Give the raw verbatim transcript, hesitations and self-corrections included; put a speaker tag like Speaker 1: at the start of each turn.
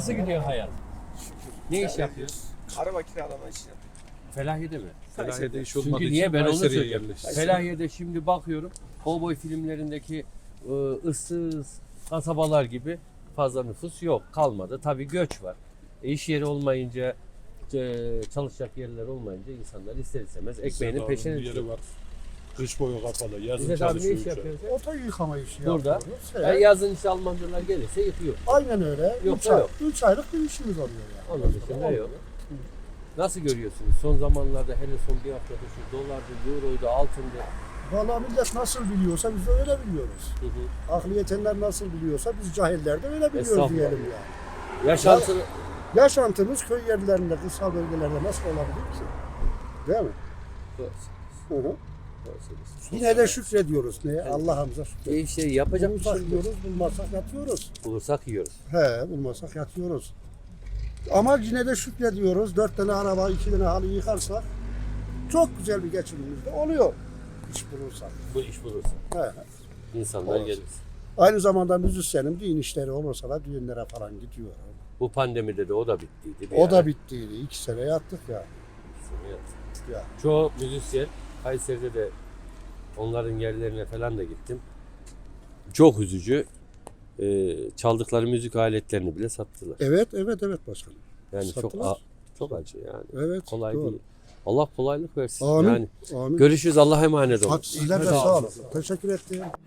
Speaker 1: Nasıl gidiyor hayat? Ne iş yapıyorsun?
Speaker 2: Araba kiralama işi yapıyor.
Speaker 1: Felahiye'de mi?
Speaker 3: Kayseri'de iş olmadığı
Speaker 1: Çünkü
Speaker 3: için
Speaker 1: niye ben onu
Speaker 3: Kayseri'ye
Speaker 1: söylüyorum.
Speaker 3: yerleştik.
Speaker 1: Felahiye'de şimdi bakıyorum kovboy filmlerindeki ı, ıssız kasabalar gibi fazla nüfus yok, kalmadı. Tabii göç var. E, iş yeri olmayınca, e, çalışacak yerler olmayınca insanlar ister istemez ekmeğinin
Speaker 3: İzzet
Speaker 1: peşine
Speaker 3: abinin
Speaker 1: düşüyor.
Speaker 3: yeri var. Kış boyu kapalı. Yazın
Speaker 1: İzzet abi ne
Speaker 3: çalışıyor.
Speaker 1: iş
Speaker 3: üç ay.
Speaker 1: yapıyorsun?
Speaker 4: Oto yıkama işi
Speaker 1: Burada.
Speaker 4: yapıyoruz.
Speaker 1: E,
Speaker 4: Evet.
Speaker 1: yazın işte Almancılar gelirse yıkıyor.
Speaker 4: Aynen öyle.
Speaker 1: Yok
Speaker 4: üç
Speaker 1: da
Speaker 4: ay,
Speaker 1: yok.
Speaker 4: üç aylık bir işimiz oluyor yani.
Speaker 1: Onun dışında yok. Nasıl görüyorsunuz? Son zamanlarda hele son bir haftada şu dolardı, euroydu, altındı.
Speaker 4: Valla millet nasıl biliyorsa biz de öyle biliyoruz.
Speaker 1: Hı hı.
Speaker 4: Aklı yetenler nasıl biliyorsa biz cahiller de öyle biliyoruz
Speaker 1: Estağfurullah.
Speaker 4: diyelim yani.
Speaker 1: Yaşantı
Speaker 4: Yaşantımız köy yerlerinde, kırsal bölgelerde nasıl olabilir ki? Değil mi? Hı hı. Yine de şükrediyoruz. Neye? Allah'ımıza şükrediyoruz.
Speaker 1: bir şey yapacak bir şey
Speaker 4: Bulursak
Speaker 1: yok.
Speaker 4: yiyoruz, bulmazsak yatıyoruz.
Speaker 1: Bulursak yiyoruz.
Speaker 4: He, bulmazsak yatıyoruz. Ama yine de şükrediyoruz. Dört tane araba, iki tane halı yıkarsak çok güzel bir geçimimiz de oluyor. İş bulursak.
Speaker 1: Bu iş bulursak.
Speaker 4: He.
Speaker 1: İnsanlar
Speaker 4: Olsun.
Speaker 1: gelir.
Speaker 4: Aynı zamanda müzisyenim, düğün işleri olursa da düğünlere falan gidiyor.
Speaker 1: Bu pandemide de o da bittiydi. bir
Speaker 4: O
Speaker 1: ara.
Speaker 4: da bittiydi. İki sene yattık ya.
Speaker 1: Evet.
Speaker 4: ya.
Speaker 1: Çoğu müzisyen Kayseri'de de onların yerlerine falan da gittim. Çok üzücü. Ee, çaldıkları müzik aletlerini bile sattılar.
Speaker 4: Evet, evet, evet başkanım.
Speaker 1: Yani çok
Speaker 4: Sattılar.
Speaker 1: a- çok acı yani.
Speaker 4: Evet.
Speaker 1: Kolay
Speaker 4: doğru.
Speaker 1: değil. Allah kolaylık versin.
Speaker 4: Amin.
Speaker 1: Yani
Speaker 4: Amin.
Speaker 1: görüşürüz. Allah'a emanet olun.
Speaker 4: Hadi, sizler de sağ olun. Teşekkür ettim.